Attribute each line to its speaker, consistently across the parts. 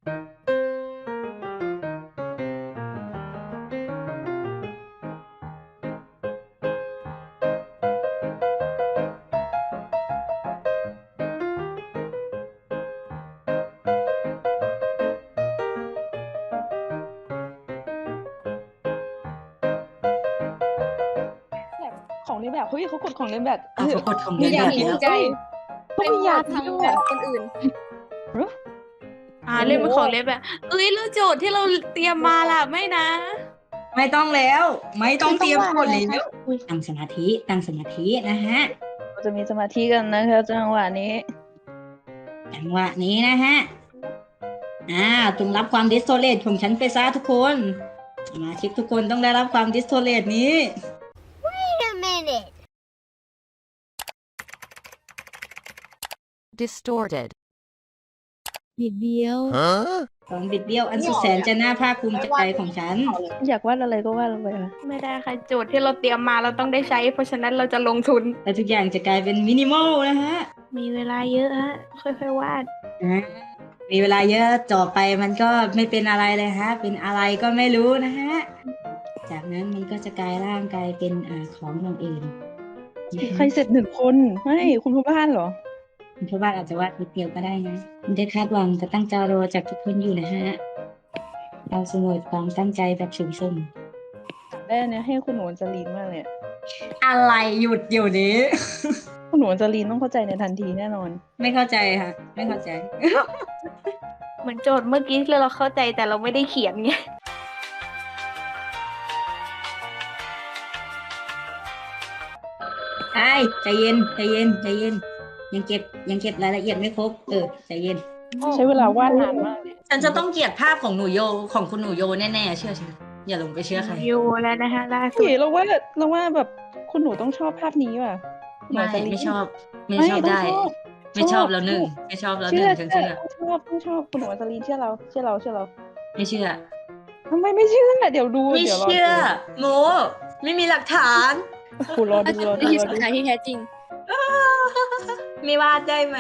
Speaker 1: แบบของในแบบเฮ้ยเขากดของในแบบ
Speaker 2: เขากดของ
Speaker 1: มี
Speaker 2: เล่น
Speaker 1: ยา
Speaker 2: แบบ
Speaker 1: มี
Speaker 2: นี้
Speaker 1: หั
Speaker 2: แล้ว ว
Speaker 1: ใจ
Speaker 3: เป็น
Speaker 1: มียา
Speaker 3: ทาง
Speaker 1: ด้ว
Speaker 3: แบ
Speaker 1: ย
Speaker 3: บคนอื่น
Speaker 4: เล่นเป็นของเล่นแบบเอ้ยแล้วโจทย์ที่เราเตรียมมาล่ะไม่นะ
Speaker 2: ไม่ต้องแล้ว ไม่ต้องเตรียม
Speaker 1: ไม่ต้อง
Speaker 2: กด
Speaker 1: ว่า
Speaker 2: เลย
Speaker 1: อะไร
Speaker 2: แล้ว
Speaker 1: อุ๊ย
Speaker 2: ตั้งสมาธิตั้งสมาธินะฮะ
Speaker 1: เราจะมีสมาธิกันนะคะจังหวะนี้
Speaker 2: จังหวะนี้นะฮะจงรับความดิสโทเลตของฉันไปซะทุกคนสมาชิกทุกคนต้องได้รับความดิสโทเลตนี้
Speaker 5: Wait a minute.
Speaker 6: distorted,
Speaker 3: บิดเบี้ยว
Speaker 2: ของบิดเบี้ยวอันสุดแสนจะน่าภาคภูมิใจของฉัน
Speaker 1: อยากวาดอะไรก็วาดลงไปค่ะ
Speaker 4: ไม่ได้ค่ะโจทย์ที่เราเตรียมมาเราต้องได้ใช้ เพราะฉะนั้นเราจะลงทุน
Speaker 2: และทุกอย่างจะกลายเป็นมินิมอลนะฮะ
Speaker 4: มีเวลาเยอะฮะค่อยๆวาด
Speaker 2: มีเวลาเยอะจ่อไปมันก็ไม่เป็นอะไรเลยฮะ เป็นอะไรก็ไม่รู้นะฮะ จากนั้นมันก็จะกลายร่างกลายเป็นของอย่างอื่นนะ
Speaker 1: ใคร
Speaker 2: ฮะ
Speaker 1: เสร็จ1 คนไม่คุณพ่อบ้านเหรอ
Speaker 2: คุณพ่อบ้านอาจจะวาดนิดเดียวก็ได้นะคุณได้คาดหวังแต่ตั้งใจรอจากทุกคนอยู่นะฮะเราสงวนความตั้งใจแบบสูงส่ง
Speaker 1: ได้อันเนี้ยให้คุณหนูอัญจารีนมากเลยอะ
Speaker 2: อะไรหยุดเดี๋ยวนี้
Speaker 1: คุณหนูอัญจารีนต้องเข้าใจในทันทีแน่นอน
Speaker 2: ไม่เข้าใจค่ะ ไม่เข้าใจ
Speaker 4: เหมือนโจทย์เมื่อกี้ที่เราเข้าใจแต่เราไม่ได้เขียนไง
Speaker 2: ไอ้ใจเย็นใจเย็นใจเย็น ยังเก็บรายละเอียดไม่ครบใจเย็น
Speaker 1: ใช้เวลาวาดนานมากเลย
Speaker 2: ฉันจะต้องเกลียดภาพของหนูโยของคุณหนูโยแน่ๆเชื่อฉันอย่าลงไปเชื่อใคร
Speaker 4: อยู่แล้วนะคะล่าสุด
Speaker 1: พี่เราว่าแบบคุณหนูต้องชอบภาพนี้ว่ะคุณหนู
Speaker 2: ไม่
Speaker 1: อัญจารีน
Speaker 2: ไม่ชอบ ไม่
Speaker 1: ไม่
Speaker 2: ชอบ
Speaker 1: ต้อง
Speaker 2: ได้
Speaker 1: ชอบ
Speaker 2: ไม่ชอบแล้วหนึ่งไม่ชอบแล้วหนึ่งฉันเชื่อ
Speaker 1: ต้องชอบคุณหนูอัญจารีนเชื่อเราเชื่อเรา
Speaker 2: ไม่เชื่อ
Speaker 1: ทำไมไม่เชื่อเดี๋ยวดู
Speaker 2: ไม่
Speaker 1: เดี๋ยวรอ
Speaker 2: เชื่อ
Speaker 1: ดู
Speaker 2: โมไม่มีหลักฐาน
Speaker 1: คุณรอดู
Speaker 3: นี่คือสุดท้ายที่แท้จริง
Speaker 2: ไม่วาดได้ไหม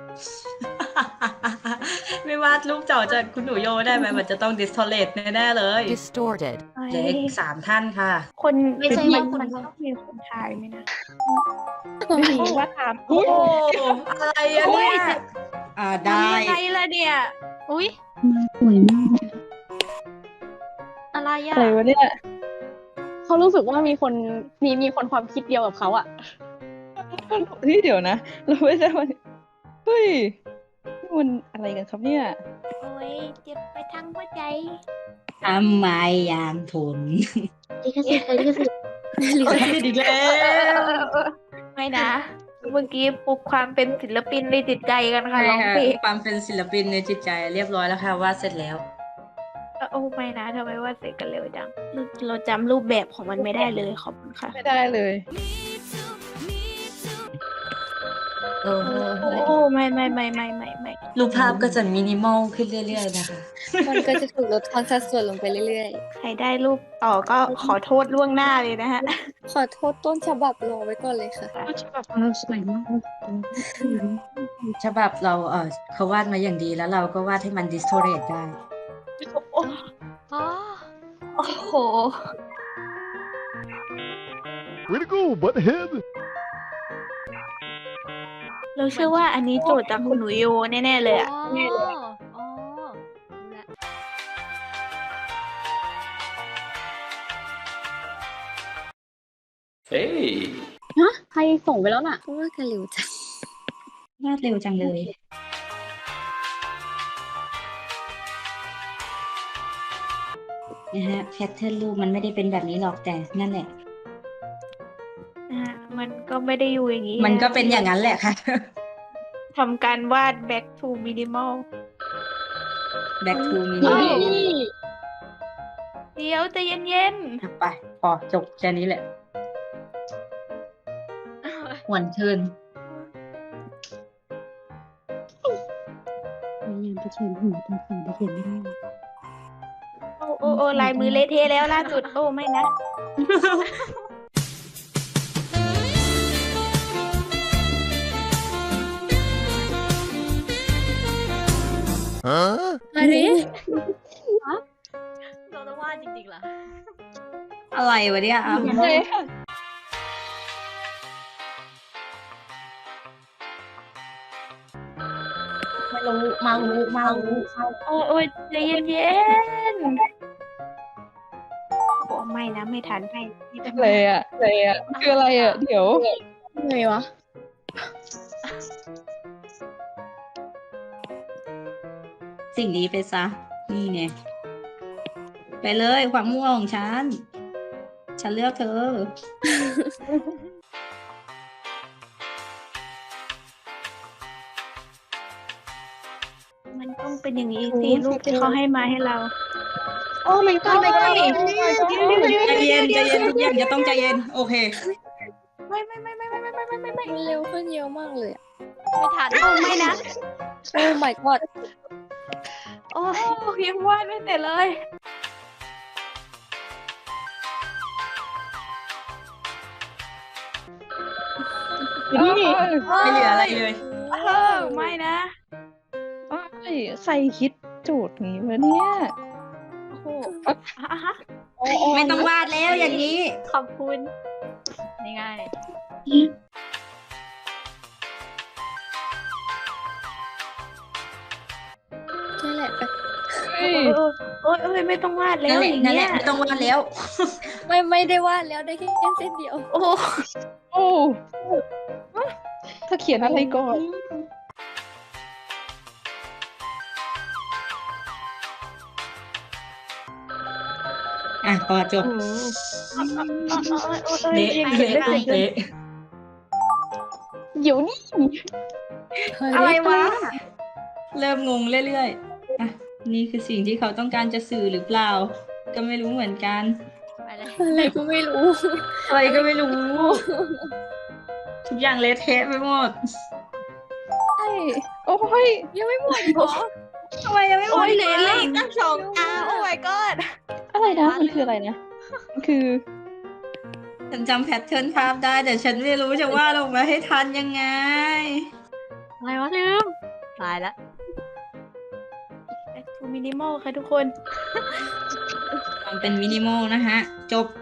Speaker 2: ไม่วาดรูปเจ่อจากคุณหนูโยได้ไหมมันจะต้องดิสโทเลตแน่ๆเลย
Speaker 6: distorted,
Speaker 2: เหลืออีก3 ท่านค่ะ
Speaker 4: คน
Speaker 5: ไม่ใช่ว่าคุณ
Speaker 4: มันต้องมีคนทายไหมนะ
Speaker 1: ไม่มีว่าตาม
Speaker 2: โอ้อะไรอะเนี่ยได้
Speaker 4: ทำยังไงล่ะเนี่ย อุ้ย
Speaker 5: อะไรอ่ะ
Speaker 1: อะไรวะเนี่ย
Speaker 3: เขารู้สึกว่ามีคนความคิดเดียวกับเขาอะ
Speaker 1: นี่เดี๋ยวนะ เราไม่ใช่ว่าเฮ้ยนี่มันอะไรกันครับเนี่ย
Speaker 5: โอ้ยเจ็บไปทั้งหัวใจ
Speaker 2: ทำไมยามทน
Speaker 5: ลิขสิทธิ์ลิขสิทธิ์
Speaker 2: ไม่ดีแล้ว
Speaker 4: ไม่นะ เมื่อกี้ปลุกความเป็นศิลปินในจิตใจกันค่ะร้องเพลง
Speaker 2: ความเป็นศิลปินในจิตใจเรียบร้อยแล้วค่ะวาดเสร็จแล้ว
Speaker 4: โอ้ไม่นะทำไมว่าเสร็จกันเร็วจัง เราจำรูปแบบของมันไม่ได้เลยขอบคุณค่ะ
Speaker 1: ไม่ได้เลย
Speaker 2: โอ้โห
Speaker 4: โอ้ไม่
Speaker 2: รูปภาพก็จะมินิมอลขึ้นเรื่อยๆนะคะ
Speaker 3: มันก็จะถูกลดทอนสัดส่วนลงไปเรื่อย
Speaker 4: ใครได้รูปต่อก็ขอโทษล่วงหน้าเลยนะฮะ
Speaker 3: ๆ ขอโทษต้นฉบับรอไว้ก่อนเลยค่ะ
Speaker 1: ฉบับเราสวยมาก
Speaker 2: ฉบับเราเขาวาดมาอย่างดีแล้วเราก็วาดให้มันดิสโทเรตได้
Speaker 5: อ๋อ
Speaker 4: โอ้โห
Speaker 7: Way to go, butthead!
Speaker 4: เราเชื่อว่าอันนี้โจทย์จากคุณหนูโยแน่ๆเลยอะ
Speaker 5: อ๋อ
Speaker 3: ฮะ ใครส่งไปแล้วน่ะเพราะว่ากันเร็วจัง
Speaker 2: วาดเร็วจังเลยนะฮะแพทเทิร์นรูปมันไม่ได้เป็นแบบนี้หรอกแต่นั่นแหละ
Speaker 4: นะฮะมันก็ไม่ได้อยู่อย่างนี้
Speaker 2: มันก็เป็นอย่างนั้นแหละค่ะ
Speaker 4: ทำการวาด back to minimal
Speaker 2: back to
Speaker 3: เฮ้
Speaker 2: minimal
Speaker 3: ย
Speaker 4: เดี๋ยวใจเย็น
Speaker 2: ไปพอจบแค่นี้แหละหวนเชิญ
Speaker 3: พยายามจะเขียนหัวตรงสีแต่เขียนไม่ได้
Speaker 4: ๆโอ้ลายมือเละเทะแล้วล่าสุด โอ้ไม่นะ
Speaker 7: Huh?
Speaker 3: ไม่ดิ
Speaker 5: เราต้องวาดจริงๆเหรอ
Speaker 2: อะไรวะเนี่ยเอา
Speaker 1: อะไรอะ
Speaker 2: ไม่รู้มารู้
Speaker 4: โอ้ยใจเย็นๆโอ้ไม่นะไม่ทันไม่ทัน
Speaker 1: อะไรอะอะไรอะคืออะไรอะเดี๋ยว
Speaker 3: ไงวะ
Speaker 2: สิ่งนี้ไปซะ นี่ไงไปเลยความม่วงของฉัน ฉันเลือกเธอ
Speaker 4: มันต้องเป็นอย่างนี้สิรูปที่เขาให้มาให้เรา
Speaker 3: โอ้ไม่ก็ไม่ก็
Speaker 2: ใจเย็นใจเย็นทุกอย่างจะต้องใจเย็น โอเค
Speaker 4: ไม่
Speaker 3: มันเร็วขึ้นเยอะมากเลยอะ
Speaker 5: ไม่ทัน
Speaker 4: ไม่นะ
Speaker 3: โอ้ my god
Speaker 4: โอ้ยังวาดไม่เสร็จเลย
Speaker 1: นี่
Speaker 2: ไม่เหลืออะไรเลย
Speaker 4: ไม่นะ
Speaker 1: ใครคิดโจทย์นี้วะเนี่ย
Speaker 4: โอ้โห
Speaker 2: ไม่ต้องวาดแล้วอย่างนี้
Speaker 5: ขอบคุณง่าย
Speaker 3: นี่แหละไป
Speaker 1: เฮ้ย
Speaker 4: โอ้ยไม่ต้องวาดแล้
Speaker 2: นั่
Speaker 4: วน
Speaker 2: แหละ
Speaker 4: อย่าง
Speaker 2: นั่นแห
Speaker 4: เงี้
Speaker 2: ละ
Speaker 4: ย
Speaker 2: ไม่ต้องวาดแล้ว
Speaker 3: ไม่ได้วาดแล้วได้แค่เส้นเดียว
Speaker 4: โอ้
Speaker 1: โอ้เธอเขียนอะไรก่อน
Speaker 2: อ่ะพอจบเละ
Speaker 4: เละ
Speaker 2: เละเละ
Speaker 1: เดี๋ยวนี่
Speaker 2: อะไรวะ เริ่มงงเรื่อยๆ อ่ะ นี่คือสิ่งที่เขาต้องการจะสื่อหรือเปล่า ก็ไม่รู้เหมือนกัน
Speaker 5: ๆไปเลย
Speaker 3: อะไรก็ไม่รู้
Speaker 2: อะไรก็ไม่รู้ ทุกอย่างเละเทะไปหมด
Speaker 1: ใช่โอ้ย
Speaker 3: ยังไม่หมดอีกเหรอ
Speaker 2: ทำไมยังไม่หม
Speaker 4: โอ้
Speaker 2: ด
Speaker 4: ย
Speaker 2: อีก
Speaker 4: เหล
Speaker 2: วะ
Speaker 4: ยตั้งสองตาโอ้ my god
Speaker 1: อะไรนะมันคืออะไรนะมันคือ
Speaker 2: ฉันจำแพทเทิร์นภาพได้ แต่ฉันไม่รู้จะวาดออกมาให้ทันยังไง
Speaker 5: อะไรวะลืมตายละ
Speaker 4: back to minimal ค่ะทุกคน
Speaker 2: ทำเป็นมินิมอลนะฮะ จบ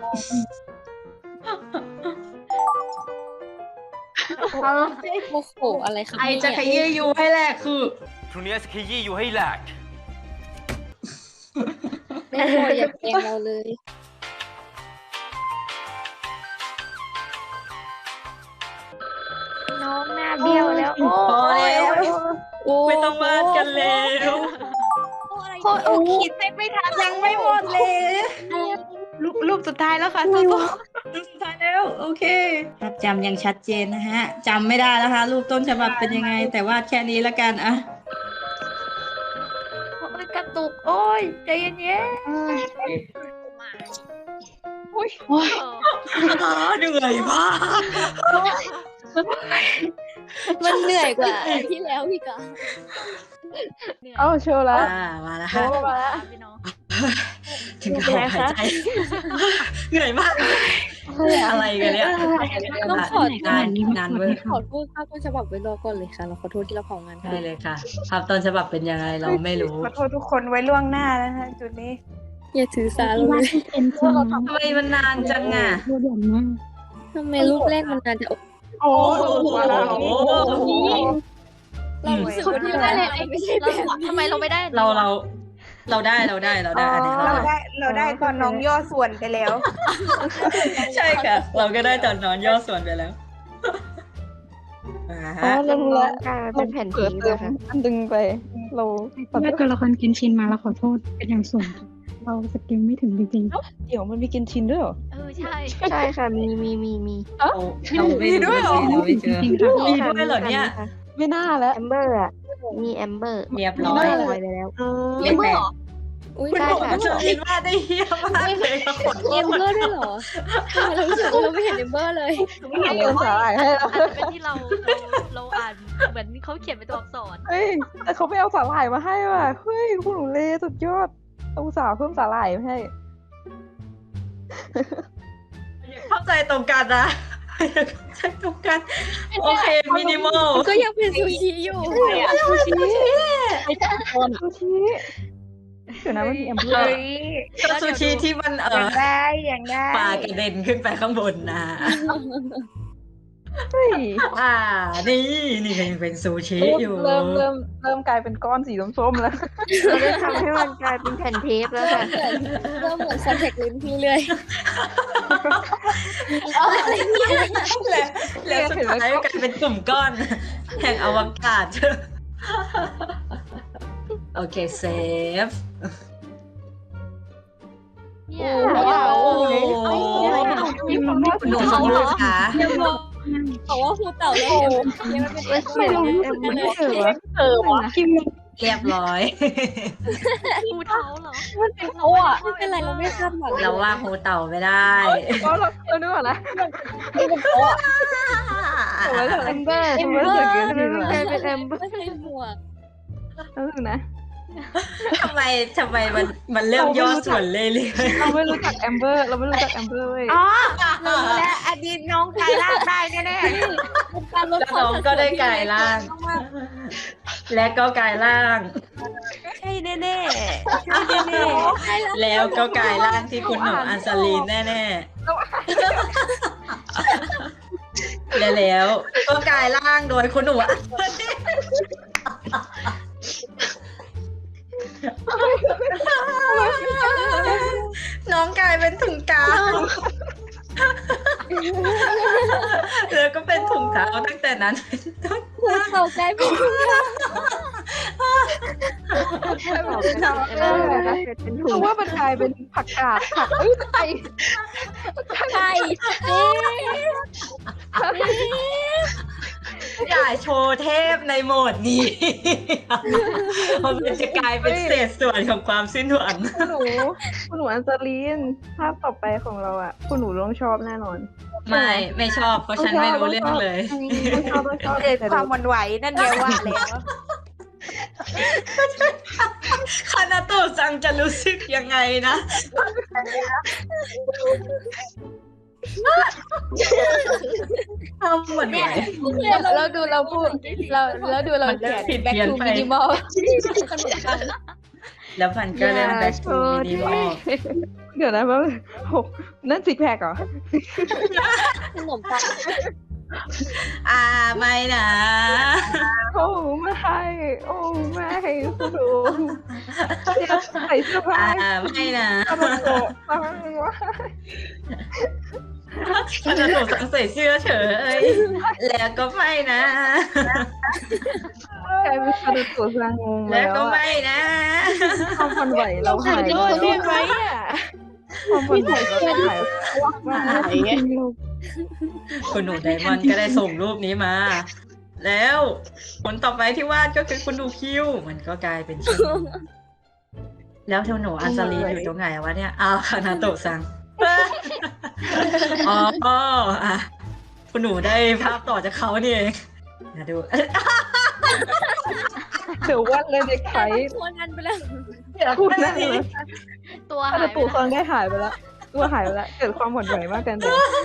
Speaker 3: โอ้โหอะไรครับ
Speaker 2: ไอจะขยี้ยูให้แรกคือ
Speaker 6: พรุ่งนี้จะขยี้อยู่ให้แหลก
Speaker 3: แม่โมอย่าแกล้งเราเลย
Speaker 4: น้องหน้าเบี้ยวแล้ว โอ้
Speaker 2: พอแล้ว
Speaker 3: โอ้
Speaker 2: ไม่ต้องวาดกันแล้ว
Speaker 4: โอ้ขีดไม่ทัน
Speaker 2: ยังไม่หมดเลย
Speaker 4: รูปสุดท้ายแล้วค่ะสู้
Speaker 2: รูปสุดท้ายแล้ว โอเคภาพจำยังชัดเจนนะฮะจำไม่ได้แล้วค่ะรูปต้นฉบับเป็นยังไง แต่วาดแค่นี้ละกันอะ
Speaker 4: โอ้ยกระตุก โอ้ยใจเย็น
Speaker 1: โอ้ย
Speaker 2: เหนื่อยมาก
Speaker 3: มันเหนื่อยกว่าอันที่แล้วพี่กะ
Speaker 5: เหนื่อย
Speaker 1: เอาโชว์แล้ว
Speaker 2: มาแล้ว
Speaker 1: โช
Speaker 2: ฮะ
Speaker 1: ว์มาแล้ว
Speaker 5: พี่น้อง
Speaker 2: ถึงกับหอบหายใจ เหนื่อยมาก อะไรกันเนี่ย
Speaker 3: ต้องขอ
Speaker 2: นานเวอร์
Speaker 3: ขอโทษภาพต้นฉบับไว้รอก่อนเลยค่ะ เราขอโทษที่เราเผางาน
Speaker 2: ได้เลยค่ะภาพต้นฉบับเป็นยังไงเราไม่รู้
Speaker 4: ขอโทษทุกคนไว้ล่วงหน้าแล้วนะจุดนี้
Speaker 3: อย่าถือสาเราเลย
Speaker 2: ทำไมมันนานจังอ่ะ
Speaker 3: ทำไมรูปแรกมันนานจะ
Speaker 1: โอ้
Speaker 2: โอ้โห
Speaker 3: เรารู้สึกว่าที่เราได้ไม่ใช่แบบ
Speaker 5: ทำไมเราไม่ได้
Speaker 2: เราได้อันนี้
Speaker 4: เราได้ตอนน้องย่อส่วนไปแล้ว
Speaker 2: ใช่ค่ะ เราก็ได้ตอนนอนย่อส่วนไปแล้ว
Speaker 1: อ๋อเรารู้แล้ว
Speaker 4: เป็นแผ่น
Speaker 1: เปิดเติมอันดึงไป เรา
Speaker 8: ถ้าตัวละครกินชินมาเราขอโทษเป็นอย่างสูง เราสกิลไม่ถึงจริง
Speaker 1: เดี๋ยวมันมีกินชินด้วยเหรอ
Speaker 5: ใช่
Speaker 3: ใช่ค่ะมี
Speaker 2: เราไม่รู้เลยเราไม่เจอ
Speaker 8: จริงค่ะ
Speaker 2: มีด้วยเหรอเนี่ย
Speaker 1: ไม่น่าแล้ว
Speaker 3: แอมเบอร์อ่ะมีแอมเบอร์
Speaker 2: เรียบร้อย
Speaker 3: ไปแล้ว
Speaker 2: เรียบร้อย
Speaker 3: อุ้ย
Speaker 2: คุณ
Speaker 3: ใช่
Speaker 2: บอก
Speaker 3: ค่ะ
Speaker 2: ว่าจะอินว่าได้เฮี้ยมากเลยขอโท
Speaker 3: เอ
Speaker 2: ษ
Speaker 3: มเบอร์ด้วยเหรอทำไมเรารู้สึกว่าเราไม่เห็นเอมเบอร์เลย
Speaker 1: ไม่เห็นเลยสาหร่ายให้เรา
Speaker 5: อาจจะเป็นที่เราอ่านเหมือนเขาเขียนเป็นตัวอักษร
Speaker 1: เฮ้ยแต่เขาไม่เอาสาหร่ายมาให้ว่ะเฮ้ยคุณหนูเลสุดยอดเอาอุตส่าห์เพิ่มสาหร่ายมาให้
Speaker 2: เข้าใจตรงกันนะเข้าใจตรงกัน โอเค มินิมอล
Speaker 3: ก็ยังเป็นซูชิอยู่
Speaker 1: ซูชิซูชิเดี๋ยวนะมันมีแอมเบอ
Speaker 4: เฮ้
Speaker 1: ร์
Speaker 4: ย
Speaker 2: ก็ซูชิที่มัน
Speaker 4: อย่างได้อย่างได้
Speaker 2: ปลากระเด็นขึ้นไปข้างบนนะ
Speaker 1: เฮ้ย
Speaker 2: นี่ก็ยังเป็นซูชิอยู่
Speaker 1: เริ่มกลายเป็นก้อนสีส้มๆแล้ว
Speaker 4: เราได้ทำให้มันกลายเป็นแผ่นเทปแล้วค่ะ
Speaker 3: เริ่มเหมือนคอนแทคเลนส์พี่เลย
Speaker 2: แล้วสุดท้ายก็กลายเป็นกลุ่มก้อน แห่งอวกาศ โอเคเซฟ
Speaker 5: เนี่ย
Speaker 2: คุณหนูของลูกค่ะ
Speaker 3: บอกว่าครูเต่าเลยยังไม่เป็น
Speaker 1: ไม่รู้มันไม่เจอวะกิน
Speaker 2: เรียบร้อย
Speaker 5: กูเท้าเหรอ
Speaker 1: มันเป็นโอ้อะ
Speaker 3: ไม่เป็นไรเราไม่คาดหวัง
Speaker 2: เราว่าหูเต่าไม่ได้
Speaker 1: ก็เรานึกว่านะโอ้ยแอมเบอร์
Speaker 3: เอ็มเบ
Speaker 1: ไม่
Speaker 3: อ
Speaker 1: รู้
Speaker 3: ร์
Speaker 1: สึกเยอะทีเลย
Speaker 3: เป็นแอมเบอร์ไม่ใช่หมวก
Speaker 1: รู้สึกนะ
Speaker 2: ทำไมมันเริ่มย่อส่วนเรื่อย
Speaker 1: เราไม่รู้จักแอมเบอร์เราไม่รู้จักแอมเบอร์เว้ย
Speaker 4: อ๋อและอดีตน้องกลายร่างได้แน่
Speaker 3: เป็นการลด
Speaker 2: แล้วน้องก็ได้กลายร่าง และก็กลายร่าง
Speaker 4: ๆใช่แน่ๆใช่แน่
Speaker 2: แล้วก็กลายร่างที่คุณหนูอัญชลีนแน่ๆและแล้วก็กลายร่างโดยคุณหนูอัญชลีนน้องกลายเป็นถุงกาวแล้วก็เป็นถุงเท้าตั้งแต่นั้นเป็นต้น
Speaker 3: ครูเต่ากลายเป็น
Speaker 4: เป็น
Speaker 1: เพ
Speaker 4: ถุง
Speaker 1: ราะว่ามันกลายเป็นผักกาดผักเอ้ยไก่
Speaker 3: ไก่นี่
Speaker 2: อย่าโชว์เทพในโหมดนี้เพราะมันจะกลายเป็นเศษส่วนของความสิ้นหวัง
Speaker 1: คุณหนูอัญชลีนภาพต่อไปของเราอ่ะคุณหนูต้องชอบแน่นอน
Speaker 2: ไม่ชอบเพราะฉันไม่รู้เรื่องเลย
Speaker 1: ต้องชอบ
Speaker 4: เกิดความหวั่นไหวนั่นไงว่าแล้ว
Speaker 2: คานาโตะซังจะรู้สึกยังไงนะทำเหมือนไหว
Speaker 3: เราดูเราพูดเราดูเราเขียน
Speaker 2: ผิด
Speaker 3: แบ็ค
Speaker 2: เพี้ยน
Speaker 3: ทู
Speaker 2: ไป
Speaker 3: มินิมอล
Speaker 2: แล้วพันก็เริ่มแบ็คทูมินิมอล
Speaker 1: เดี๋ยวนะว่าโหนั่นซิกแพคเหรอ
Speaker 3: ขนมปัง
Speaker 2: ไม่นะ
Speaker 1: โอ้ไม่โอ้ไม่คุณหนูใส่เสื้อผ้า
Speaker 2: ไม่นะ
Speaker 1: ตลกฟังว่า
Speaker 2: คานาโตะซังใส่เสื้อเฉยแล้วก็ไม่นะ
Speaker 1: กลายเป็นคาราโตะซังงง
Speaker 2: แล้ว
Speaker 1: แล้ว
Speaker 2: ก็ไม่นะ
Speaker 1: ความฝันไหวเราหาย
Speaker 4: โดนเรียกไว้อ่ะ
Speaker 1: ความฝันไหวเราหาย
Speaker 2: คุณหนูไดมอนด์ก็ได้ส่งรูปนี้มา แล้วผลต่อไปที่วาดก็คือคุณหนูคิวมันก็กลายเป็นชิ้นแล้วเท่าหนูอัญชลีอยู่ตรงไหนวะเนี่ยคานาโตะซังอ่ะคุณหนูได้ภาพต่อจากเขานี่เองมาดู
Speaker 1: เดี๋ยววันเลยเด็กไทย
Speaker 3: ทวนกันไปแล้ว
Speaker 1: พูดนั่นเลย
Speaker 5: ตัว
Speaker 1: คา
Speaker 5: หาย
Speaker 1: รา
Speaker 5: ไป
Speaker 1: โตะซังได้หายไปแล้วตัวหายไปแล้วเกิดความหวั่นไหวมากเกินไป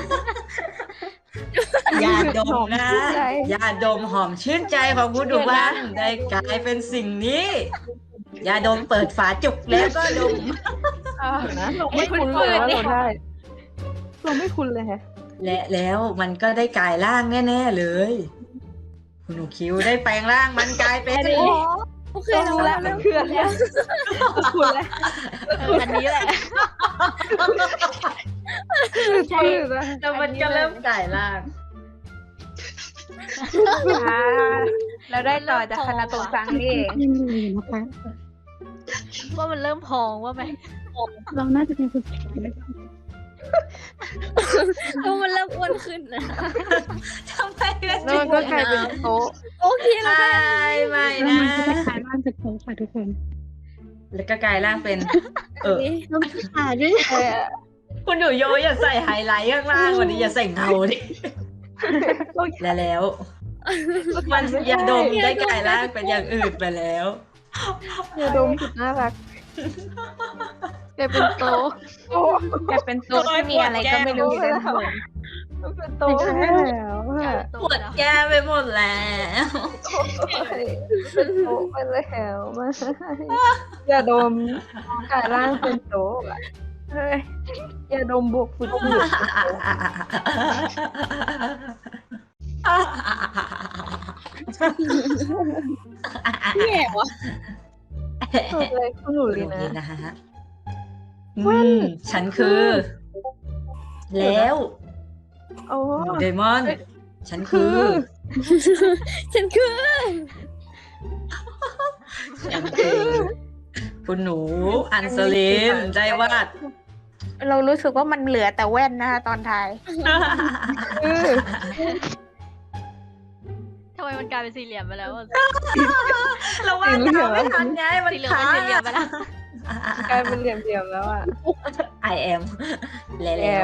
Speaker 2: ยาดมนะยาดมหอมชื่นใจของคุณดูบ้านได้กลายเป็นสิ่งนี้ยาดมเปิดฝาจุกแล้วก็ดม
Speaker 1: นะเราไม่คุ้นเลยว่าเราได้เราไม่คุ้นเลยฮะ
Speaker 2: และแล้วมันก็ได้กลายร่างแน่ๆเลย คุณหนูคิวได้แปลงร่างมันกลายเป็น
Speaker 3: โอเค
Speaker 1: เรารู้แล้วมันคืออะไรคุ้นแล้ว
Speaker 5: อันนี้แหละ
Speaker 1: ชื่อนะ
Speaker 2: แล้วมันก็เริ่มกลายร่าง
Speaker 4: เราได้ต่อจากคณะตรงซังนี่เอง
Speaker 8: ยังอยู่นะคะ
Speaker 5: ว่ามันเริ่มพองว่าไหม
Speaker 8: เราน่าจะเป็นคนแก่แล้ว
Speaker 3: ก็มันเริ่มอ้วนขึ้นนะ
Speaker 2: ทำไมเป็น
Speaker 4: แล้วมันก็กลายเป็นโต๊ะ
Speaker 3: โอเคแล้ว
Speaker 2: ไม่
Speaker 8: แล้ว
Speaker 2: นะ
Speaker 8: มันก็จะขายบ้านจากโต๊ะค่ะทุกคน
Speaker 2: แล้วก็กลายร่างเป็น
Speaker 8: ต้องขายด้วย
Speaker 2: คุณหนูโยอย่าใส่ไฮไลท์ข้างล่างวันนี้อย่าใส่เงาดิแล้วมันยาดมได้กลายร่างเป็นอย่างอื่นไปแล้ว
Speaker 1: ยาดมสุดน่ารัก
Speaker 4: กลายเป็นโต๊ะ
Speaker 1: โอ้
Speaker 4: กลายเป็นโต๊ะที่มีอะไรก็ไม่รู้อยู่ด้านบน
Speaker 1: เป็นโต๊ะแล้วอะ
Speaker 2: ปวดแก้ไปหมดแล้ว
Speaker 1: เป็นโต๊ะไปแล้วมาอย่าดมกายร่างเป็นโต๊ะอะอย่าดมบวกฝึกฝืน
Speaker 3: แย่วะ
Speaker 1: สุดเลยคุณหนูลีนะ
Speaker 2: นะฮะฉันคือ แล้ว
Speaker 1: โอ้
Speaker 2: เดมอน ฉันคือ
Speaker 3: ฉันคือ
Speaker 2: ฉันคือคุณหนูอัญสลินได้วาด
Speaker 4: เรารู้สึกว่ามันเหลือแต่แว่นนะคะตอนท้าย
Speaker 5: ทำไมมันกลายเป็นสี่เหลี่ยมไปแล้วอะ
Speaker 2: เราวาดดาวไม่ทันไงมัน
Speaker 5: สี่เหลี่ยมเป็นสี่เหลี่ยมไปแล้ว
Speaker 1: กลายเป็นเหลี่ยมๆแล้วอ่ะ
Speaker 2: I am แล้ว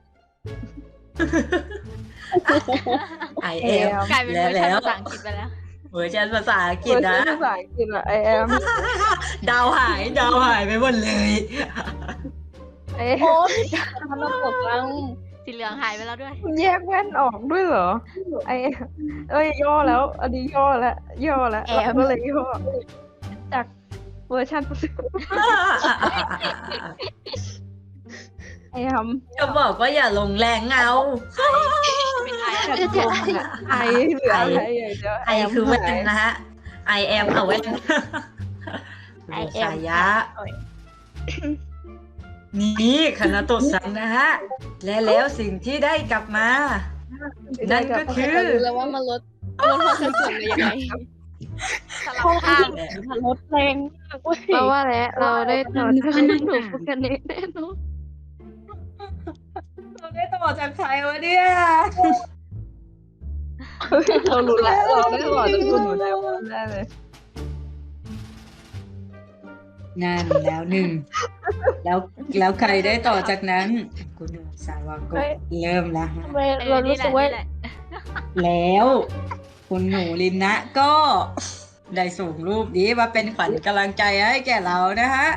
Speaker 2: I am
Speaker 5: กลายเป็นเวอร์ชันภาษาอังกฤษไปแล้ว
Speaker 2: เวอร์ชันภาษาอังกฤษ
Speaker 1: เวอร์ชั
Speaker 2: นะ
Speaker 1: นภาษาอังกฤษอะ I am
Speaker 2: ดาวหายไปหมดเลย
Speaker 1: I
Speaker 3: โอ้
Speaker 1: am
Speaker 3: ทำระบบลัง
Speaker 5: สีเหลืองหายไปแล้วด้วย
Speaker 1: คุณแยกแว่นออกด้วยเหรอ I am เอ้ยย่อแล้ว อันนี้ย่อแล้วเราก็เลยย่อจากเวอร์ชันภาษา I am
Speaker 2: ก็บอกว่าอย่าลงแรงเงา
Speaker 5: เป็นไอ
Speaker 1: แบบลงอะไอเหลืออะไรอย่างเดียว
Speaker 2: ไอคือแว่นนะฮะ I am เอาแว่น
Speaker 4: I am
Speaker 2: สายะ นี่คณะโตะสังนะฮะ และแล้วสิ่งที่ได้กลับมา นั่นก็คือ
Speaker 3: รู้แล้วว่ามันลดความสัดส่วนเลยยังไง
Speaker 5: สลับข้าง
Speaker 3: ลดแรงมากเว้ย
Speaker 1: เพราะว่าแล้วเราได้ต่อจาก
Speaker 8: นั่ง
Speaker 1: หนู
Speaker 8: อ่าน
Speaker 1: ฟุกันเนแน่นอน
Speaker 2: เราได้ต่อจากใครวะเนี่ย
Speaker 1: เรารู้แล้วเราได้ต่อจากคุณหนูได้ว่าได้เลย
Speaker 2: นั่นแล้วหนึ่ง แล้วใครได้ต่อจากนั้น คุณหนูสาวกก็เริ่มแล้วฮะ
Speaker 4: ทำไมเรารู้สึกว่า
Speaker 5: นี่แหละ
Speaker 2: แล้ว คุณหนูลินนะก็ได้ส่งรูปนี้มาเป็นขวัญกำลังใจให้แก่เรานะฮะ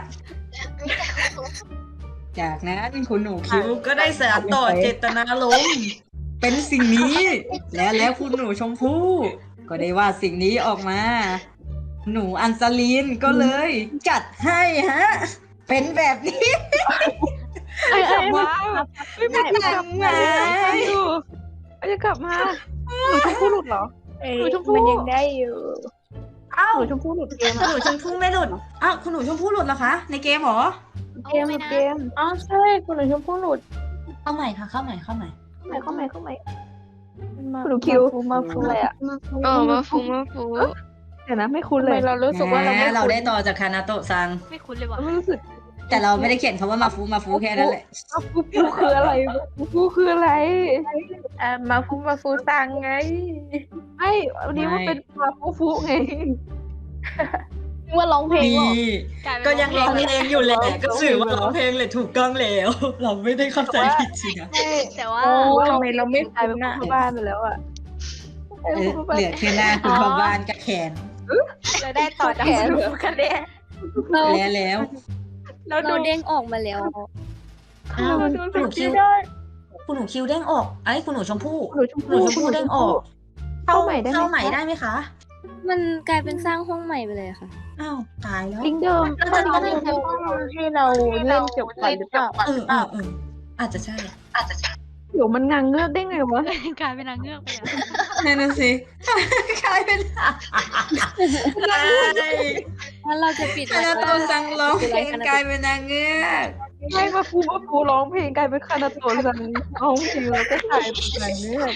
Speaker 2: จากนั้นคุณหนูคิวก็ได้สานต่อเจตนารมณ์เป็นสิ่งนี้ แล้วคุณหนูชมพู่ก็ได้วาดสิ่งนี้ออกมา หนูอัญสลีนก็เลยจัดให้ฮะ เป็นแบบนี้
Speaker 1: กลับมาไม่
Speaker 2: จัด
Speaker 1: กลับมาอยู่ไม่จะกลับมาหนูชมพู่หลุดเหรอ หนูชมพู่
Speaker 4: มันยังได้อยู่
Speaker 2: เอ้า
Speaker 1: หนูชมพู่หลุดเกม
Speaker 2: คุณหนูชมพู่ไม่หลุดอ้าวคุณหนูชมพู่หลุดเหรอคะในเกมเหรอ
Speaker 1: เกมหลุดเกม
Speaker 4: อ๋อใช่คุณหนูชมพู่หลุด
Speaker 2: เข้าใหม่ค่ะเข้าใหม่
Speaker 1: เข้าใหม่คุณหนู
Speaker 4: มา
Speaker 1: คิว
Speaker 4: มาฟู
Speaker 1: อะไรอ่ะ
Speaker 8: มาฟู
Speaker 1: เดี๋ยวนะไม่คุ้น
Speaker 4: ทำ
Speaker 1: เล
Speaker 4: ไม
Speaker 1: ย
Speaker 4: เรารู้สึกว่าเราไม่
Speaker 2: เรา
Speaker 4: คุ้น
Speaker 2: ได้ต่อจากคานาโตะซัง
Speaker 5: ไม่คุ้นเลยว่ะ
Speaker 1: ไม่รู้สึก
Speaker 2: แต่เราไม่ได้เขียนคำว่ามาฟูแค่นั้นแหละ
Speaker 1: ฟูคืออะไรฟูคืออะไร
Speaker 4: มาฟูซังไง
Speaker 1: ไม่อันนี้มันเป็นมาฟูไง
Speaker 3: นึกว่าร้องเพลง
Speaker 2: นี
Speaker 3: เหรอ
Speaker 2: ่
Speaker 5: กลายเป็น
Speaker 2: ก็ยังร้องเพลงอยู่แหละ
Speaker 1: ร้องเพลง
Speaker 2: ก็สื่อว่าร้องเพลงเลยถูกต้องแล้ว เราไม่ได้เข้าใจผิดสินะ
Speaker 5: แต่ว่า
Speaker 4: โอ้ทำไมเราไม่
Speaker 1: กลาย
Speaker 4: คุ้
Speaker 1: เป็น น
Speaker 4: อ่ะ
Speaker 1: ผู้บ้านไปแล้วอ่ะ
Speaker 2: เหลือแค่หน้าคุณพ่อบ้านกับแขน
Speaker 4: เราได้ต่อจากคุณหนูกันเนี่ย
Speaker 3: เรา
Speaker 2: แล้ว
Speaker 4: เรา
Speaker 3: เรา
Speaker 4: ดู
Speaker 3: เด้งออกมาแล้ว
Speaker 2: อ้าว
Speaker 4: ดู
Speaker 2: คุณหนูคิว
Speaker 4: ได้
Speaker 2: คุณหนูคิวเด้งออกไอ้คุณหนูชมพู่
Speaker 1: หนูชม
Speaker 2: คุณหนู
Speaker 1: พู่
Speaker 2: ชมพู่เด้งออก
Speaker 1: เข้าใหม่ได้ไหม
Speaker 2: เข้าใหม่ได้ไหมคะ
Speaker 3: มันกลายเป็นสร้างห้องใหม่ไปเลยค่ะ
Speaker 2: อ้าวตายแล้ว
Speaker 1: ลิงก์เดิม
Speaker 4: มันก็ไม่ใช่ให้เราเล่นจบก่อนหรือเปล่า
Speaker 2: อาจจะใช่
Speaker 1: เดี๋ยวมันงังเงือกได้ไงวะ
Speaker 5: กลายเป็นนางเงือกไปแล้ว
Speaker 2: นั่นน่ะสิกลายเป็นได้
Speaker 3: งั้นเราจะปิด
Speaker 2: คณะโตะสังร้องเพลงกลายเป็นนางเงือก
Speaker 1: ไม่มาฟูร้องเพลงกลายเป็นคานาโตะสังร้องเพลงแล้วก็ถ่ายเป็นงังเงือก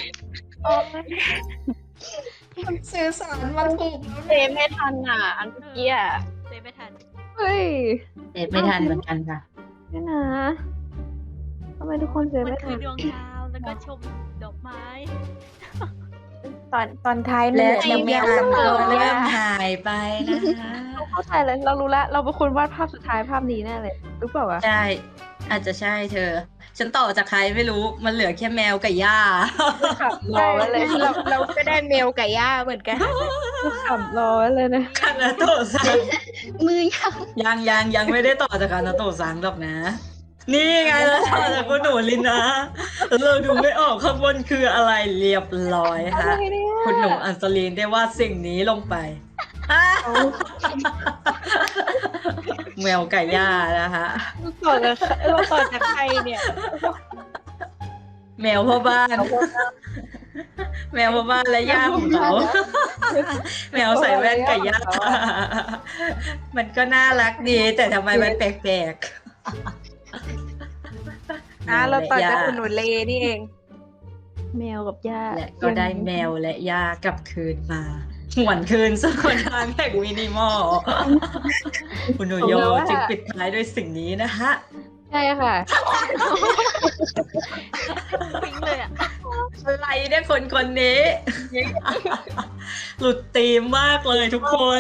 Speaker 2: มันสื่อสารมาถูก
Speaker 3: เซฟไม่ทันอ่ะ อันเมื่อกี้อ่ะ
Speaker 5: เซฟไม่ทัน
Speaker 1: เฮ้ย
Speaker 2: เด็ดไม่ทันเหมือนกันค่ะ
Speaker 1: นี่นะทำไมทุกคนเสีย
Speaker 5: มัน
Speaker 1: ไม่
Speaker 5: คื
Speaker 1: ทั
Speaker 5: อน ดวงดาวแล้วก็ชมดอกไม้
Speaker 4: ตอนท้ายมัน
Speaker 2: และ
Speaker 4: เหลือ
Speaker 2: ที
Speaker 4: แต่
Speaker 2: ม
Speaker 4: แมว
Speaker 2: งาน
Speaker 4: กับ
Speaker 2: ก็
Speaker 4: ตัว
Speaker 2: เริ่
Speaker 4: เนี่ย
Speaker 2: มหายไปนะคะ
Speaker 1: เข้าใจเลยเรารู้แล้วเราเป็นคนวาดภาพสุดท้ายภาพนี้แน่เลยรู้เปล่าวะ
Speaker 2: ใช่ อาจจะใช่เธอ ฉันต่อจากใครไม่รู้ มันเหลือแค่แมวกับย่า
Speaker 1: ขับรอไว้เลย
Speaker 4: เราก็ได้เมลกับย่าเหมือนกัน
Speaker 1: ขับรอไว้เลยนะ
Speaker 2: คานาโตะซัง
Speaker 3: มือยัง
Speaker 2: ยังไม่ได้ต่อจากคานาโตะซังหรอกนะนี่ไงแล้วต่อจากคุณหนูลินนะเราดูไม่ออกข้างบนคืออะไรเรียบร้อยฮะคุณหนูอัญชลีนได้วาดสิ่งนี้ลงไปแมวไก่ย่านะคะ
Speaker 4: เราต่อจากใครเนี่ย
Speaker 2: แมวพ่อบ้าน แมวพ่อบ้านและย่าของเขาแมวใส่แว่นไก่ย่ามันก็น่ารักดีแต่ทำไมมันแปลกๆ
Speaker 4: เราต่อจากคุณหนูเลนี่เอง
Speaker 1: แมวกับย่า
Speaker 2: และก็ได้แมวและย่ากลับคืนมาหวนคืนสักคนทางแห่งมินิมอลคุณหนูโยจึงปิดท้ายด้วยสิ่งนี้นะฮะ
Speaker 1: ใช่ค่ะ
Speaker 5: ปิ๊งเลยอ่ะ
Speaker 2: อะไรเนี่ยคนนี้ หลุดธีมมากเลยทุกคน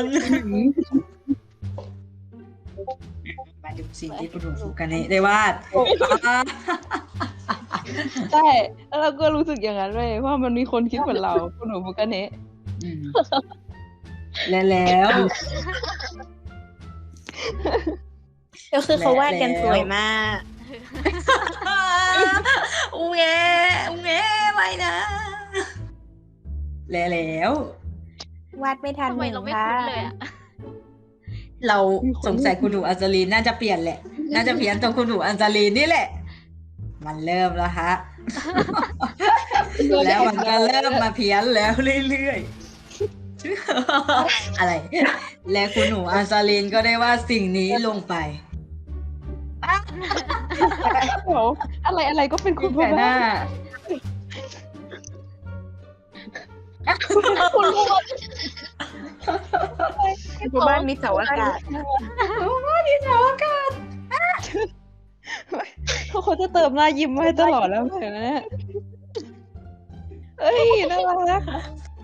Speaker 2: มาดูสิ่งที่คุณหนูฟูกันนี้ได้วาด
Speaker 1: ใช่แล้วเราก็รู้สึกอย่างนั้นเลยว่ามันมีคนคิดเหมือนเราคุณหนูบุกะเนะ
Speaker 2: แล้ว
Speaker 4: ก็คือเขาวาดกันสวยมาก
Speaker 2: อุ้งแงไว้นะแล้ว
Speaker 4: วาดไม่ทัน
Speaker 5: ทำไมเราไม่คุ้นเลยอ่ะ
Speaker 2: เราสงสัยคุณหนูอัญชลีนน่าจะเปลี่ยนแหละ น่าจะเพี้ยนตรงคุณหนูอัญชลีนนี่แหละ มันเริ่มแล้วฮะ แล้วมันก็เริ่มมาเพี้ยนแล้วเรื่อยๆ อะไร และคุณหนูอัญชลีนก็ได้ว่าสิ่งนี้ลงไป
Speaker 1: โอ้อะไรก็เป็นคุณพ่อ
Speaker 2: แต่หน้า
Speaker 4: คุณบ้านมีเสาอากาศ
Speaker 1: เขาจะเติมหน้ายิ้มมาให้ตลอดแล้วเห็นไหมเอ้ยน่ารัก
Speaker 5: น่ารัก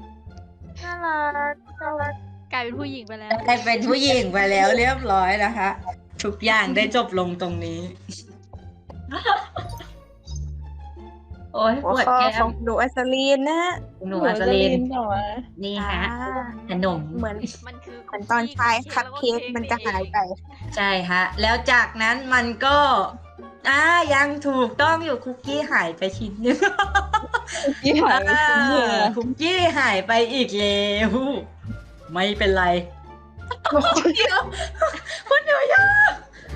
Speaker 5: กลายเป็นผู้หญิงไปแล้ว
Speaker 2: ได้เป็นผู้หญิงไปแล้วเรียบร้อยนะคะ ทุกอย่างได้จบลงตรงนี้ โอ้ยป
Speaker 4: หัว
Speaker 2: วด
Speaker 4: ข้อ
Speaker 2: แก้
Speaker 4: ขอ
Speaker 2: ม
Speaker 4: งหนูอัศรีนนะ
Speaker 2: หนูอัญชลีน
Speaker 1: หน่อย
Speaker 2: นี่ฮะขนม
Speaker 4: เหมือน
Speaker 5: มันคือ
Speaker 4: เหมือนตอนท้ายคัพเค้กมันจะหายไป
Speaker 2: ใช่ฮะ แล้วจากนั้นมันก็ยังถูกต้องอยู่คุกกี้หายไปชิ้นนึง
Speaker 1: ยี่หายไปชิ้นเดียว
Speaker 2: คุกกี้หายไปอีกแล้วไม่เป็นไรเดี๋ยวคุณหนูยาก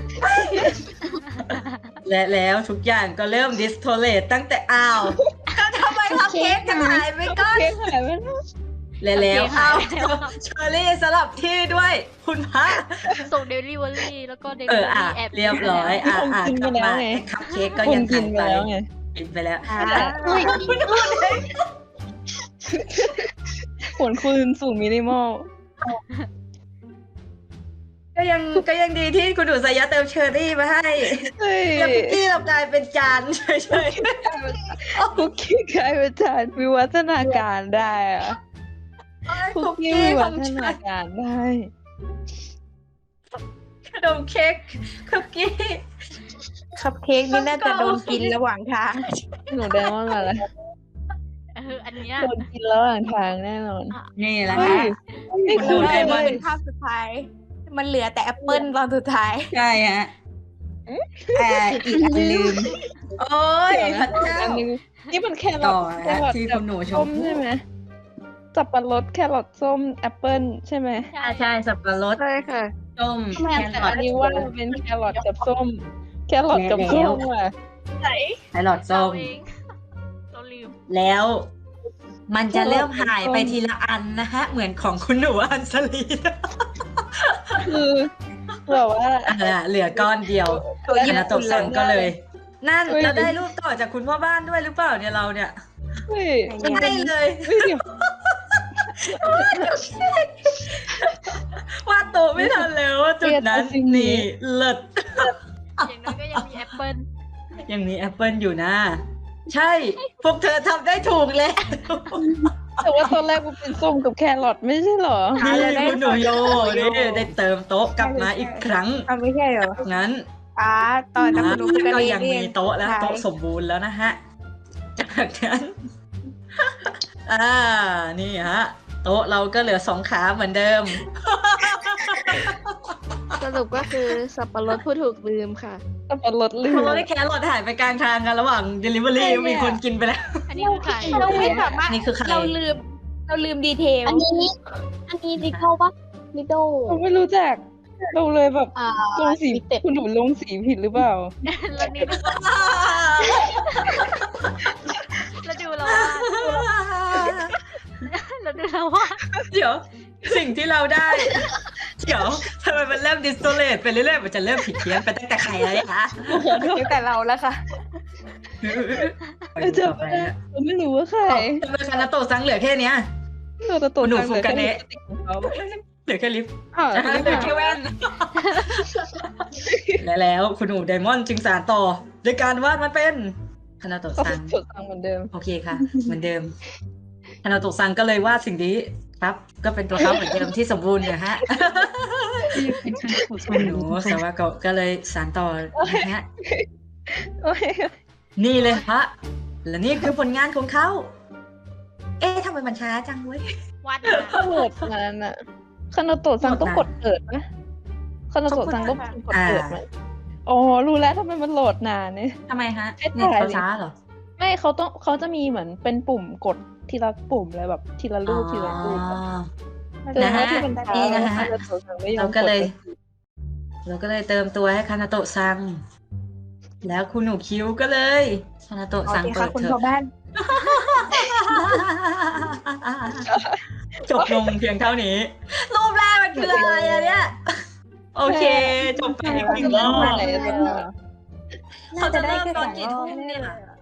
Speaker 2: และแล้วทุกอย่างก็เริ่มดิสโทเลตตั้งแต่ก็ทำไมคัพเค้กจะหายไปก่อน
Speaker 1: เค้กหายไปแล้ว
Speaker 2: แล้วเชอรี่สลับที่ด้วย คุณพระ
Speaker 5: ส่งเดลิเวอรี่แล้วก็เดลิ
Speaker 2: เอ
Speaker 5: เว
Speaker 2: อ
Speaker 5: อรี่แอบ
Speaker 2: เรียบร้อยกลับมาคัพเค้กก็ยัง
Speaker 1: กิ
Speaker 2: หาน ย
Speaker 1: ไป
Speaker 2: ไป
Speaker 1: แล้วไง
Speaker 2: กินไปแล้ว
Speaker 1: ผลคืนสู่มินิมอล
Speaker 2: ก็ยังดีที่คุณดูสายะเติมเชอรี่มาให้
Speaker 1: เฮ้ย
Speaker 2: แล้วคุกกี้เรากลายเป็นจานเฉย
Speaker 1: คุกกี้กลายเป็นจานวิวัฒนาการได้อะ
Speaker 2: ๆ
Speaker 1: คุ
Speaker 2: คุ
Speaker 1: ก
Speaker 2: ก
Speaker 1: กี้
Speaker 2: กี้
Speaker 1: วิ
Speaker 2: ข
Speaker 1: วั
Speaker 2: อง
Speaker 1: ฒ
Speaker 2: ฉั
Speaker 1: นาน การได้
Speaker 2: ขนมเค้กคุกกี้
Speaker 4: คัพเค้กนี่น่าจะโดนกินระหว่างทาง
Speaker 1: หนูไดมอนด์มาแล้ว
Speaker 5: อันเนี้ย
Speaker 1: โดนกินระหว่างทางแน่นอน
Speaker 2: นี่แหละ
Speaker 1: เฮ้
Speaker 2: ฮะ
Speaker 1: ยนี่
Speaker 2: คุณ
Speaker 1: คื
Speaker 2: ดู
Speaker 1: อ
Speaker 2: ไดมอนด์
Speaker 4: เป็นภาพสุดท้าย มันเหลือแต่แอปเปิลตอนสุดท้าย
Speaker 2: ใช่ฮะอีกอันลืม โอ้ยพระเจ้า
Speaker 1: อันนึงนี่มันแคร
Speaker 2: ต่
Speaker 1: อ
Speaker 2: อ
Speaker 1: ทแค
Speaker 2: ฮะ
Speaker 1: รอท
Speaker 2: ที่
Speaker 1: กั
Speaker 2: คุ
Speaker 1: บ
Speaker 2: ณหนูช
Speaker 1: ส้
Speaker 2: ม
Speaker 1: มใช่ไหมสับปะรดแครอทส้มแอปเปิลใช่ไหม
Speaker 2: ใช่สับปะรด
Speaker 1: ใช่ค่ะ
Speaker 2: ส้ม
Speaker 1: แม่
Speaker 2: แค
Speaker 1: แต่
Speaker 2: รอ
Speaker 1: อั
Speaker 2: ท
Speaker 1: นนี้ว่าเป็นแครอทกับส้ม แครอทกับส้มอ่ะ
Speaker 2: แครอทส้
Speaker 5: เรา
Speaker 2: ม
Speaker 5: เองเราลืม
Speaker 2: แล้วมันจะเริ่มหายไปทีละอันนะฮะ เหมือนของคุณหนูอัญชลี
Speaker 1: คือแบบว่า
Speaker 2: เหลือก้อนเดียว
Speaker 4: ตัวญี่
Speaker 2: คณะต
Speaker 4: ปุ่
Speaker 2: ก
Speaker 4: น
Speaker 2: สังก็เลย นั่น
Speaker 1: เฮ้ย
Speaker 2: เราได้รูปต่อจากคุณพ่อบ้านด้วยหรือเปล่าเนี่ยเราเนี่ย
Speaker 1: เฮ้ย
Speaker 2: ไม่ได้เลย
Speaker 1: เฮ้ยเดี๋ยว
Speaker 2: วาดโตะไม่ทันแล้วว่าจุดนั้นนี่เลิศ
Speaker 5: อย่างน้อยก็ยังมีแอปเปิล
Speaker 2: ยังมีแอปเปิลอยู่นะ ใช่ พวกเธอทำได้ถูกแล้ว
Speaker 1: แต่ว่าตอนแรกมันเป็นส้มกับแครอทไม่ใช่เหรอ
Speaker 2: นี่คุณหนูโยนี่ได้เติมโต๊ะกลับมาอีกครั้ง
Speaker 4: ไม่ใช่เหรอ
Speaker 2: งั้น
Speaker 4: ตอนนั้นคุณดู
Speaker 2: ก็
Speaker 4: กัน
Speaker 2: ยังมีโต๊ะแล้วโต๊ะสมบูรณ์แล้วนะฮะ จากนั้น นี่ฮะ โต๊ะเราก็เหลือ2 ขาเหมือนเดิม
Speaker 1: สรุปก็คือสับปะรดผู้ถูกลืมค่ะสับปะรดเหลื
Speaker 2: เพราะ
Speaker 1: อ
Speaker 2: ว่าได้แครอทหายไปกลางทางกันระหว่าง delivery มีคนกินไปแล้ว
Speaker 5: อันนี้คือใคร
Speaker 4: เราไม่สามารถ
Speaker 2: นี่คือใคร
Speaker 4: เราลืมดีเทล
Speaker 3: อันนี้ลิโก้ปะลิโก้
Speaker 1: เราไม่รู้จักเราเลยแบบ ลงสี
Speaker 3: เต็ด
Speaker 1: คุณหนูลงสีผิดหรือเปล่า
Speaker 5: แล้วนี่แล้วดูเราว่าแล้วดูเราว่า
Speaker 2: เดี๋ยวสิ่งที่เราได้ เดี๋ยวทำไมมันเริ่มดิสโทเลตไปเรื่อยๆมันจะเริ่มผิดเพี้ยนไปตั้งแต่ใครแล้วเนี่ยคะ
Speaker 1: ตั้งแต่เราแล้วค่ะ
Speaker 2: ไปดูต่อไปอะ
Speaker 1: เราไม่รู้ว่าใคร
Speaker 2: ทำไมคานาโตะซังเหลือแค่เนี้ย
Speaker 1: เราจะตัว
Speaker 2: หนู
Speaker 1: ตัง
Speaker 2: ฟูกาเนะ
Speaker 1: ติกของเขา
Speaker 2: เหลือแค่ลิฟต์
Speaker 1: อ้าว
Speaker 2: เหลือแค่แว่นและแล้วคุณหนูไดมอนด์จึงสานต่อด้วยการวาดมันเป็นคานาโตะ
Speaker 1: ก็
Speaker 2: ซัง
Speaker 1: สุดตังเหมือนเดิม
Speaker 2: โอเคค่ะ เหมือนเดิมคานาโตะซังก็เลยวาดสิ่งนี้ครับ ก็เป็นตัวเขาเหมือนเดิมที่สมบูรณ์เนี่ยฮะ
Speaker 8: ที่เป็นชั้นของชั้น
Speaker 2: หนูสาวะก็เลยสานต่อนะฮะ
Speaker 1: โอ้ย
Speaker 2: นี่เลยฮะและนี่คือผลงานของเขา เอ๊ะทำไมมันช้าจังเว้ย
Speaker 5: วัด
Speaker 1: โหลดนานอะคานาโตะซังต้องกดเปิดไหมคานาโตะซังต้องกดเปิดไหมอ๋อรู้แล้วทำไมมันโหลดนานเนี่ย
Speaker 2: ทำไมฮะ
Speaker 1: ให้
Speaker 2: เน็ต
Speaker 1: ถ่าย
Speaker 2: เขาช้าเหรอ
Speaker 1: ไม่เขาจะมีเหมือนเป็นปุ่มกดทีละปุ่มเลยแบบทีละรูปทีละรูปอะ
Speaker 2: นะฮะ
Speaker 1: ที่มัน
Speaker 2: นี่นะฮะ
Speaker 1: คานาโตะซังไม่ยอ
Speaker 2: เรา
Speaker 1: ม
Speaker 2: ก็เลย
Speaker 1: ด
Speaker 2: เราก็เลยเติมตัวให้คานาโตะซัง แล้วคุณหนูคิ้วก็เลยคานาโตะซังเปิดเถอะจบลงเพียงเท่านี้ รูปแรกมันคืออะไรอะเนี่ย โอเค จบไปอีกหนึ่งรอบ
Speaker 1: ไหนจะ
Speaker 2: เขาจะเริ่มตอนกี่ทุ่มเนี่ย
Speaker 1: เ